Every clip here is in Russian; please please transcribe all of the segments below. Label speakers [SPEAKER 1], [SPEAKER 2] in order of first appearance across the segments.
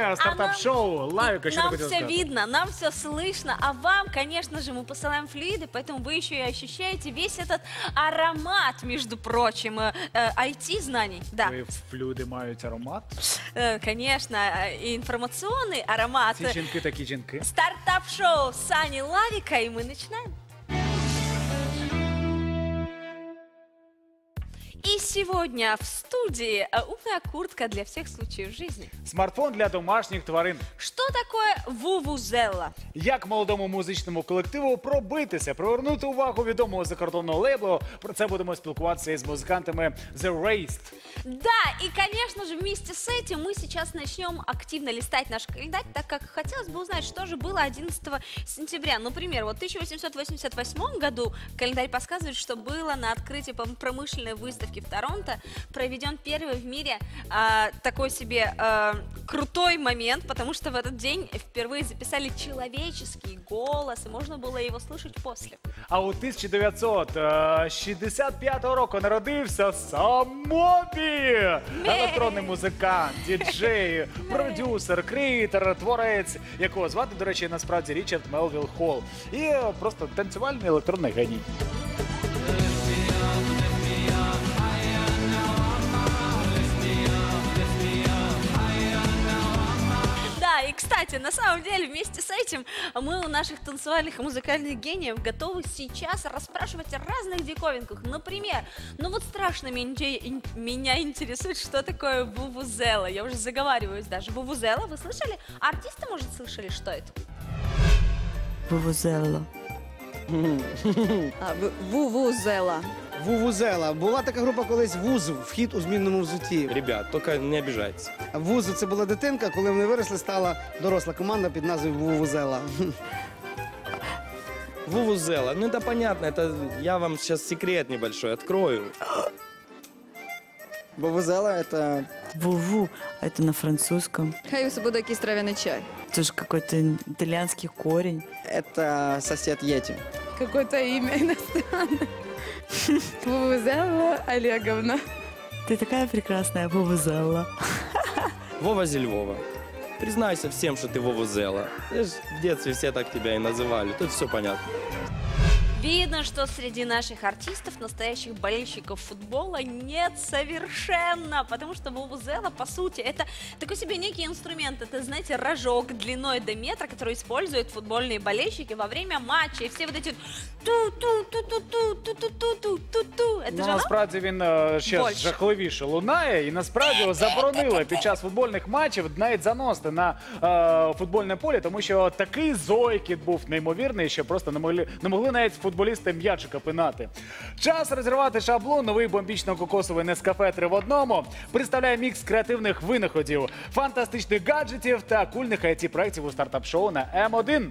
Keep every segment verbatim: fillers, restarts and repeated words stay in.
[SPEAKER 1] время стартап-шоу Лавика.
[SPEAKER 2] Нам все видно, нам все слышно, а вам, конечно же, мы посылаем флюиды, поэтому вы еще и ощущаете весь этот аромат, между прочим, э, э, ай ти-знаний. Да.
[SPEAKER 1] Флюиди мають аромат?
[SPEAKER 2] Э, конечно, и информационный аромат.
[SPEAKER 1] Ці жінки такі жінки.
[SPEAKER 2] Стартап-шоу Сани Лавика, и мы начинаем. И сегодня в студии умная куртка для всех случаев жизни.
[SPEAKER 1] Смартфон для домашніх тварин.
[SPEAKER 2] Что такое вувузела?
[SPEAKER 1] Як молодому музичному колективу пробитися, привернути увагу відомого закордонного лейблу. Про це будемо спілкуватися із музикантами The Raised.
[SPEAKER 2] Да, и, конечно же, вместе с этим мы сейчас начнем активно листать наш календарь, так как хотелось бы узнать, что же было одиннадцатого сентября. Например, вот в тысяча восемьсот восемьдесят восьмом году календарь подсказывает, что было на открытии промышленной выставки в Торонто проведен первый в мире а, такой себе а, крутой момент, потому что в этот день впервые записали человеческий голос, и можно было его слышать после.
[SPEAKER 1] А у тисяча дев'ятсот шістдесят п'ятого року народився сам Мобі! Електронний музикант, діджей, продюсер, креатор, творець, якого звати, до речі, насправді Річард Мелвіл Холл. І просто танцювальний електронний геній.
[SPEAKER 2] И, кстати, на самом деле, вместе с этим мы у наших танцевальных и музыкальных гениев готовы сейчас расспрашивать о разных диковинках. Например, ну вот страшно меня интересует, что такое вувузела. Я уже заговариваюсь даже. Вувузела, вы слышали? Артисты, может, слышали, что это?
[SPEAKER 3] Вувузела.
[SPEAKER 4] Вувузела.
[SPEAKER 5] Вувузела. Була така група колись вуз, вхід у змінному взутті.
[SPEAKER 6] Ребят, тільки не обіжайтесь.
[SPEAKER 5] Вуз – це була дитинка, коли вони виросли, стала доросла команда під назвою Вувузела.
[SPEAKER 6] Вувузела. Ну это понятно, это я вам сейчас секрет небольшой открою.
[SPEAKER 5] Вувузела – это…
[SPEAKER 3] Вуву, это на французском.
[SPEAKER 4] Хай у буде якийсь травяний чай.
[SPEAKER 3] Тоже какой-то итальянский корень.
[SPEAKER 5] Это сосед Йети.
[SPEAKER 4] Какое-то имя иностранное. Вувузела Олеговна.
[SPEAKER 3] Ты такая прекрасная, Вувузела.
[SPEAKER 6] Вова Зельвова. Признайся всем, что ты Вувузела. В детстве все так тебя и называли. Тут все понятно.
[SPEAKER 2] Видно, что среди наших артистов настоящих болельщиков футбола нет совершенно, потому что вувузела, по сути, это такой себе некий инструмент, это, знаете, рожок длиной до метра, который используют футбольные болельщики во время матча, и все вот эти ту-ту-ту-ту-ту-ту-ту-ту-ту-ту. Это же
[SPEAKER 1] насправді він ще жахливіше лунає, і насправді його заборонили під час футбольних матчів навіть заносити на е, футбольне поле, тому що такий зойкіт був неймовірний, що просто не могли, не могли навіть футболісти м'ячика пинати. Час розірвати шаблон. Новий бомбічно-кокосовий Нескафе три в одному представляє мікс креативних винаходів, фантастичних гаджетів та кульних ай ті-проєктів у стартап-шоу на Ем один.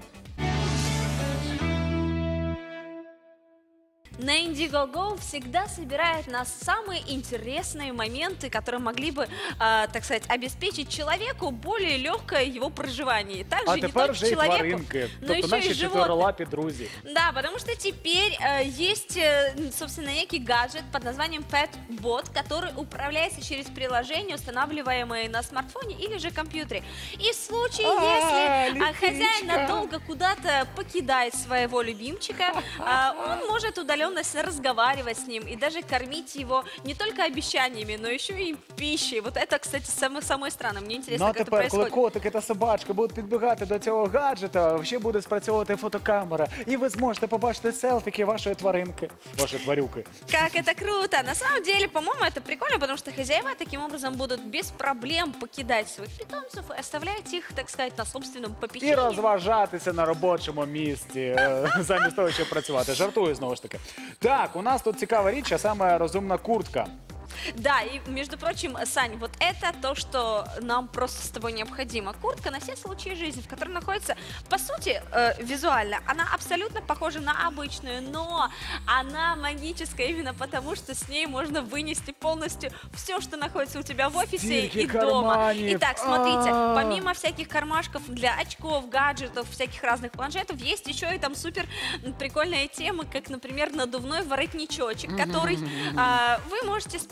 [SPEAKER 2] На Indiegogo всегда собирает нас самые интересные моменты, которые могли бы, э, так сказать, обеспечить человеку более легкое его проживание. Также
[SPEAKER 1] а
[SPEAKER 2] не
[SPEAKER 1] тепер
[SPEAKER 2] только
[SPEAKER 1] вже і тваринки,
[SPEAKER 2] но
[SPEAKER 1] тобто
[SPEAKER 2] еще
[SPEAKER 1] наші
[SPEAKER 2] и
[SPEAKER 1] чотирилапі друзі.
[SPEAKER 2] Да, потому что теперь э, есть, э, собственно, некий гаджет под названием PetBot, который управляется через приложение, устанавливаемое на смартфоне или же компьютере. И в случае, если э, хозяин надолго куда-то покидает своего любимчика, э, он может удаленно разговаривать с ним и даже кормить его не только обещаниями, но еще и пищей. Вот это, кстати, самое, самое странное. Мне интересно,
[SPEAKER 1] ну, а
[SPEAKER 2] как это
[SPEAKER 1] тепер,
[SPEAKER 2] происходит.
[SPEAKER 1] коли котики та собачка будуть підбігати до цього гаджета, ще буде спрацьовувати фотокамера, і ви зможете побачити селфіки вашої тваринки, вашої тварюки.
[SPEAKER 2] Как это круто! На самом деле, по-моему, это прикольно, потому что хозяева таким образом будут без проблем покидать своих питомцев и оставлять их, так сказать, на собственном попечении.
[SPEAKER 1] І розважатися на робочому місці, замість того, щоб працювати. Жартую, знову ж таки. Так, у нас тут цікава річ, а саме розумна куртка.
[SPEAKER 2] Да, и, между прочим, Сань, вот это то, что нам просто с тобой необходимо. Куртка на все случаи жизни, в которой находится, по сути, э, визуально, она абсолютно похожа на обычную, но она магическая именно потому, что с ней можно вынести полностью все, что находится у тебя в офисе
[SPEAKER 1] Стильки
[SPEAKER 2] и
[SPEAKER 1] карманев.
[SPEAKER 2] дома. Итак, смотрите,
[SPEAKER 1] А-а-а.
[SPEAKER 2] помимо всяких кармашков для очков, гаджетов, всяких разных планшетов, есть еще и там супер прикольная тема, как, например, надувной воротничочек, который э, вы можете спрятать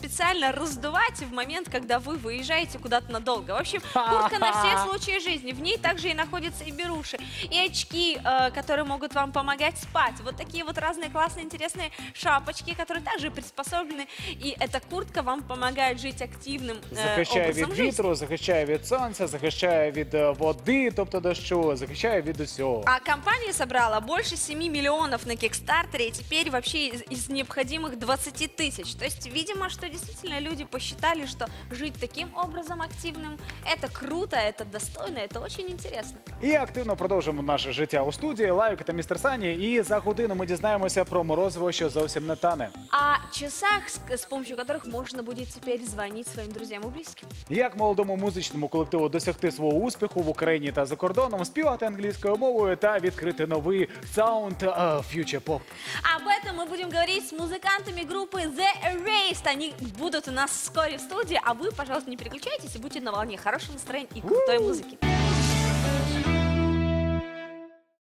[SPEAKER 2] специально раздувать в момент, когда вы выезжаете куда-то надолго. В общем, куртка на все случаи жизни. В ней также и находятся и беруши, и очки, э, которые могут вам помогать спать. Вот такие вот разные классные, интересные шапочки, которые также приспособлены. И эта куртка вам помогает жить активным э,
[SPEAKER 1] Захищає
[SPEAKER 2] образом
[SPEAKER 1] від
[SPEAKER 2] жизни.
[SPEAKER 1] вітру, захищає від сонця, захищає від е, води, тобто дощу, захищає від усього.
[SPEAKER 2] А компания собрала больше семи миллионов на Кикстартере, и теперь вообще из, из необходимых двадцати тысяч. То есть, видимо, что действительно люди посчитали, что жить таким образом активным, это круто, это достойно, это очень интересно.
[SPEAKER 1] І активно продовжуємо наше життя у студії. Лайка та містер Сані. І за годину ми дізнаємося про морозиво, що зовсім не тане.
[SPEAKER 2] О часах, с, с помощью которых можно будет теперь звонить своим друзьям и близким.
[SPEAKER 1] Як молодому музичному колективу досягти свого успіху в Україні та за кордоном, співати англійською мовою та відкрити новий саунд фьючер поп.
[SPEAKER 2] Об этом мы будем говорить с музыкантами группы The Erased. Они будут у нас вскоре в студии, а вы, пожалуйста, не переключайтесь и будьте на волне хорошего настроения и крутой музыки.